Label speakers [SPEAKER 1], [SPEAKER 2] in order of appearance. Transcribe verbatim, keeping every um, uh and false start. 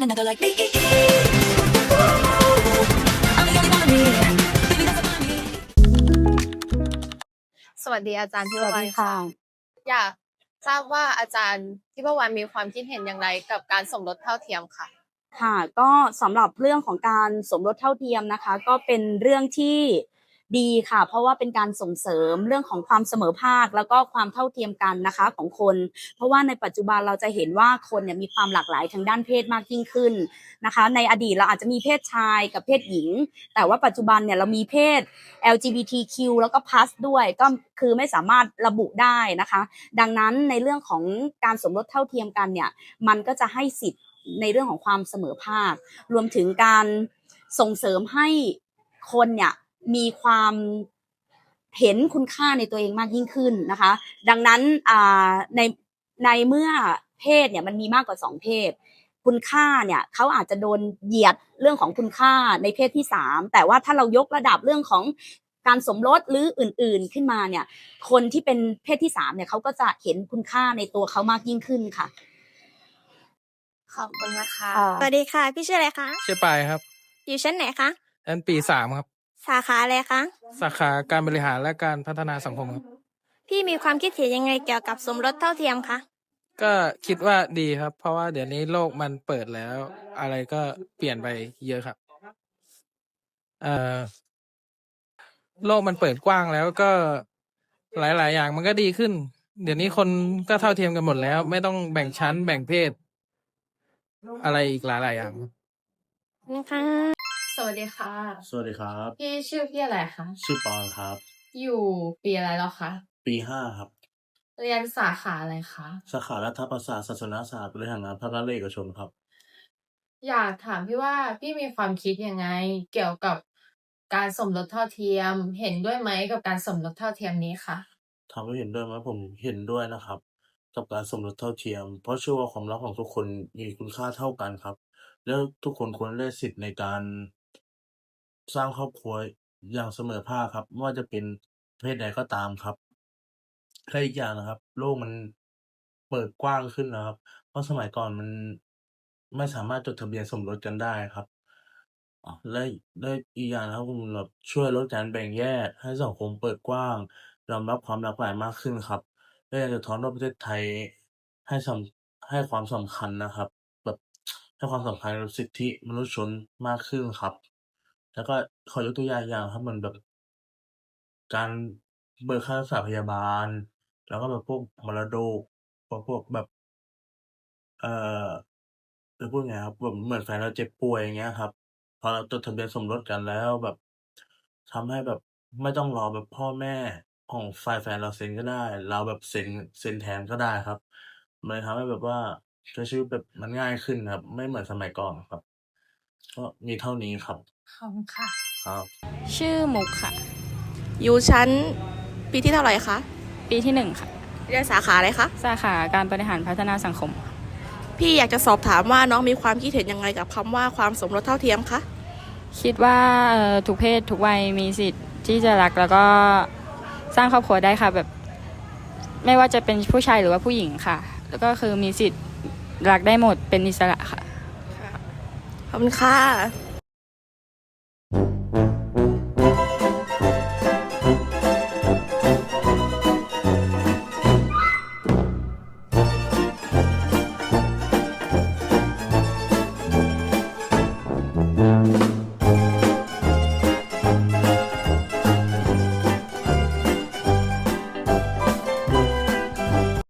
[SPEAKER 1] another like me. I'm the only one of me. Baby, that's about me.
[SPEAKER 2] สวัสดีอาจารย์ทิ
[SPEAKER 3] ส
[SPEAKER 2] พ
[SPEAKER 3] วัส
[SPEAKER 2] วรร
[SPEAKER 3] ดี
[SPEAKER 2] ณ
[SPEAKER 3] ค่ะ
[SPEAKER 2] อยากทราบว่าอาจารย์ทิพวรรณมีความคิดเห็นอย่างไรกับการสมรสเท่าเทียมค่ะ
[SPEAKER 3] ค่ะ ก็สำหรับเรื่องของการสมรสเท่าเทียมนะคะ ก็เป็นเรื่องที่ดีค่ะ เพราะว่าเป็นการส่งเสริมเรื่องของความเสมอภาคแล้วก็ความเท่าเทียมกันนะคะของคน เพราะว่าในปัจจุบันเราจะเห็นว่าคนเนี่ยมีความหลากหลายทางด้านเพศมากยิ่งขึ้นนะคะ ในอดีตเราอาจจะมีเพศชายกับเพศหญิง แต่ว่าปัจจุบันเนี่ยเรามีเพศ แอล จี บี ที คิว แล้วก็ plus ด้วยก็คือไม่สามารถระบุได้นะคะ ดังนั้นในเรื่องของการสมรสเท่าเทียมกันเนี่ยมันก็จะให้สิทธิ์ในเรื่องของความเสมอภาครวมถึงการส่งเสริมให้คนเนี่ยมีความเห็นคุณค่าในตัวเองมากยิ่งขึ้นนะคะดังนั้นในในเมื่อเพศเนี่ยมันมีมากกว่าสองเพศคุณค่าเนี่ยเขาอาจจะโดนเหยียดเรื่องของคุณค่าในเพศที่สามแต่ว่าถ้าเรายกระดับเรื่องของการสมรสหรืออื่นๆขึ้นมาเนี่ยคนที่เป็นเพศที่สามเนี่ยเขาก็จะเห็นคุณค่าในตัวเขามากยิ่งขึ้นค่ะ
[SPEAKER 2] ขอบคุณนะคะ
[SPEAKER 4] สวัสดีค่ะพี่ชื่ออะไรคะ
[SPEAKER 5] ชื่อปายครับ
[SPEAKER 4] อยู่ชั้นไหนคะ
[SPEAKER 5] อันปีสามครับ
[SPEAKER 4] สาขาอะไรคะ
[SPEAKER 5] สาขาการบริหารและการพัฒนาสังคมครับ
[SPEAKER 4] พี่มีความคิดเห็นยังไงเกี่ยวกับสมรสเท่าเทียมคะ
[SPEAKER 5] ก็คิดว่าดีครับ เพราะว่าเดี๋ยวนี้โลกมันเปิดแล้ว อะไรก็เปลี่ยนไปเยอะครับเอ่อโลกมันเปิดกว้างแล้วก็หลาย ๆ อย่างมันก็ดีขึ้น เดี๋ยวนี้คนก็เท่าเทียมกันหมดแล้ว ไม่ต้องแบ่งชั้นแบ่งเพศ อะไรอีกหลาย ๆ อย่าง
[SPEAKER 4] นะคะ
[SPEAKER 2] สวัสดีค่ะ
[SPEAKER 6] สวัสดีครับ
[SPEAKER 2] พี่ชื่อพี่อะไรคะ
[SPEAKER 6] ชื่อปอนครับ
[SPEAKER 2] อยู่ปีอะไรแล้วคะ
[SPEAKER 6] ปีห้าครับ
[SPEAKER 2] เรียนสาขาอะไรคะ
[SPEAKER 6] สาขารัฐประศาสตร์ศาสนศาสตร์บริหารงานภาครัฐและเอกชนครับ
[SPEAKER 2] อยากถามพี่ว่าพี่มีความคิดยังไง เกี่ยวกับการสมรสเท่าเทียม เห็นด้วยไหมกับการสมรสเท่าเทียมนี้คะ
[SPEAKER 6] ถามว่าเห็นด้วยไหมผมเห็นด้วยนะครับ กับการสมรสเท่าเทียม เพราะเชื่อว่าความรักของทุกคนมีคุณค่าเท่ากันครับ แล้วทุกคนควรได้สิทธิ์ในการสร้างครอบครัวอย่างเสมอภาคครับไม่ว่าจะเป็นเพศใดก็ตามครับและอีกอย่างนะครับ โลกมันเปิดกว้างขึ้นนะครับ เพราะสมัยก่อนมันไม่สามารถจดทะเบียนสมรสกันได้ครับอ๋อและและอีกอย่างนะครับมันแบบช่วยลดการแบ่งแยกให้สังคมเปิดกว้างยอมรับความหลากหลายมากขึ้นครับและอยากจะสะท้อนว่าประเทศไทยให้สำให้ความสำคัญนะครับ แบบให้ความสำคัญกับสิทธิมนุษยชนมากขึ้นครับ แล้วก็ขอยกตัวอย่างอย่างครับเหมือนแบบ การเบิกค่ารักษาพยาบาล แล้วก็แบบพวกมรดกพวกพวกแบบ เอ่อจะพูดไงครับแบบเหมือนแฟนเราเจ็บป่วยอย่างเงี้ยครับ พอเราจดทะเบียนสมรสกันแล้วแบบทำให้แบบไม่ต้องรอแบบพ่อแม่ของฝ่ายแฟนเราเซ็นก็ได้ เราแบบเซ็นเซ็นแทนก็ได้ครับ มันเลยทำให้แบบว่าใช้ชีวิตแบบมันง่ายขึ้นครับ ไม่เหมือนสมัยก่อนครับ ก็มีเท่านี้ครับ
[SPEAKER 2] ขอบคุณค่ะ
[SPEAKER 6] ครับ
[SPEAKER 7] ชื่อมุกค่ะ
[SPEAKER 4] อยู่ชั้นปีที่เท่าไหร่คะ
[SPEAKER 7] ปีที่หนึ่งค่ะ
[SPEAKER 4] เรียนสาขาอะไรคะ
[SPEAKER 7] สาขาการบริหารพัฒนาสังคม
[SPEAKER 4] พี่อยากจะสอบถามว่าน้องมีความคิดเห็นยังไงกับคำว่าความสมรสเท่าเทียมคะ
[SPEAKER 7] คิดว่าเอ่อทุกเพศทุกวัยมีสิทธิ์ที่จะรักแล้วก็สร้างครอบครัวได้ค่ะแบบไม่ว่าจะเป็นผู้ชายหรือว่าผู้หญิงค่ะ แล้วก็คือมีสิทธิ์รักได้หมดเป็นอิสระค่ะ
[SPEAKER 4] ขอบคุณค่ะ